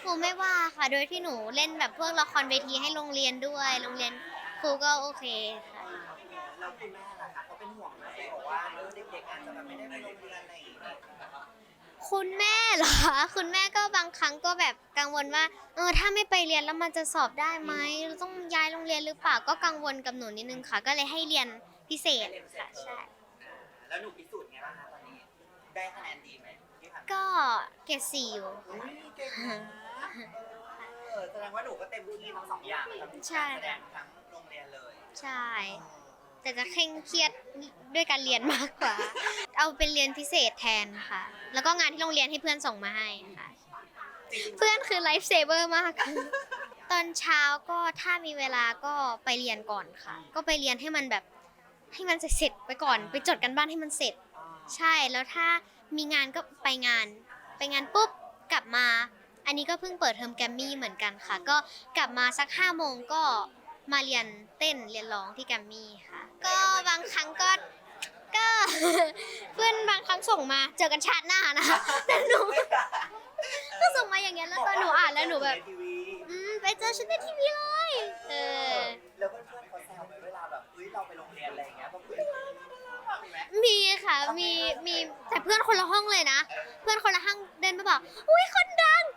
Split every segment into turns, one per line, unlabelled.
รูไม่ว่าค่ะโดยที่หนูเล่นแบบพวกละครเวทีให้โรงเรียนด้วยโรงเรียนครูก็โอเคค่ะ
แล้วคุณแม่ล่ะคะเขาเป็นห่วงไหมบอกว่าเด็กๆอาจจะแบบไม่ได้ไปโรงเรียนอะไรอย่างเงี้ย
คุณแม่เหรอคุณแม่ก็บางครั้งก็แบบกังวลว่าถ้าไม่ไปเรียนแล้วมันจะสอบได้ไหมเราต้องย้ายโรงเรียนหรือเปล่าก็กังวลกับหนูนิดนึงค่ะก็เลยให้เรียนพิเศษค่ะใช่
แล้วหนูพิสูจน์ไงบ้างคะตอนนี้ได้คะแนนดีไหมที่ผ่านมา
ก็เกรด4อยู่
อุ้ยเก่งนะแสดงว่าหนูก็เต็มที่ทั้งสองอย่างทั้งการแสดงทั้งโรงเรียนเลย
ใช่แต่จะเคร่งเครียดด้วยการเรียนมากกว่าเอาเป็นเรียนพิเศษแทนค่ะแล้วก็งานที่โรงเรียนให้เพื่อนส่งมาให้ค่ะเพื่อนคือไลฟ์เซเวอร์มากตอนเช้าก็ถ้ามีเวลาก็ไปเรียนก่อนค่ะก็ไปเรียนให้มันแบบให้มันเสร็จไปก่อนไปจดกันบ้านให้มันเสร็จใช่แล้วถ้ามีงานก็ไปงานปุ๊บกลับมาอันนี้ก็เพิ่งเปิดเทอมแกรมมี่เหมือนกันค่ะก็กลับมาสัก5 โมงก็มาเรียนเต้นเรียนร้องที่แกรมมี่ค่ะก็บางครั้งก็ เพื่อนบางครั้งส่งมาเจอกันชาติหน้านะคะแต่หนูก็ส่งมาอย่างเงี้ยแล้วตอนหนูอ่านแล้วหนูแบบไปเจอฉันในทีวีเลย
แล้วเพื่อนๆเขาแซวไหมเวลาแบบเราไปโรงเรียนอะไรอย่างเงี้ยแบบมีไหม
มีค่ะมีแต่เพื่อนคนละห้องเลยนะเพื่อนคนละห้องเดินมาบอกอุ้ยคนดัง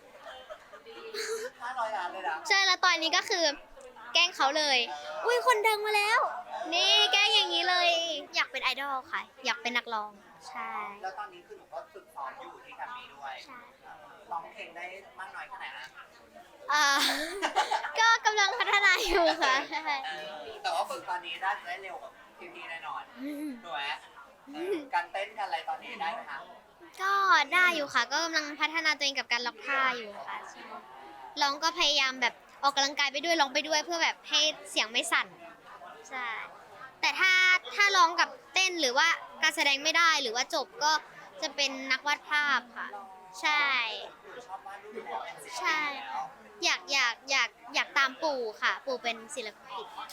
500 ล้านเลยนะ
ใช่แล้วตอนนี้ก็คือแกล้งเขาเลยอุ้ยคนดังมาแล้วนี่แกล้งอย่างนี้เลย อยากเป็นไอดอลค่ะ อยากเป็นนักร้องใช่
แล้วตอนนี้คือหนูก็ฝึกซ้อมอยู่ที่แกรมมี่ด้วย
ใช่
ร้องเพลงได้มากน้อยแค่ไหนนะ
อ่า ก็กำลังพัฒนาอยู่ค่ะใช่
แต่ว่าฝึกตอนนี้ได้เร็วกว่าพี่ๆแน่นอนถูกไหมการเต้นกันอะไรตอนนี้ได้ไหมคะ
ก็ได้อยู่ค่ะ ก็กำลังพัฒนาตัวเองกับการล็อกท่าอยู่ค่ะใช่ร้องก็พยายามแบบออกกำลังกายไปด้วยร้องไปด้วยเพื่อแบบให้เสียงไม่สั่นใช่แต่ถ้าร้องกับเต้นหรือว่าการแสดงไม่ได้หรือว่าจบก็จะเป็นนักวาดภาพค่ะใช่
ชอบวาดรูปอยู่แล้วเป็นศิลปิน
ใช่
แล้ว
อยากตามปู่ค่ะปู่เป็นศิลปิน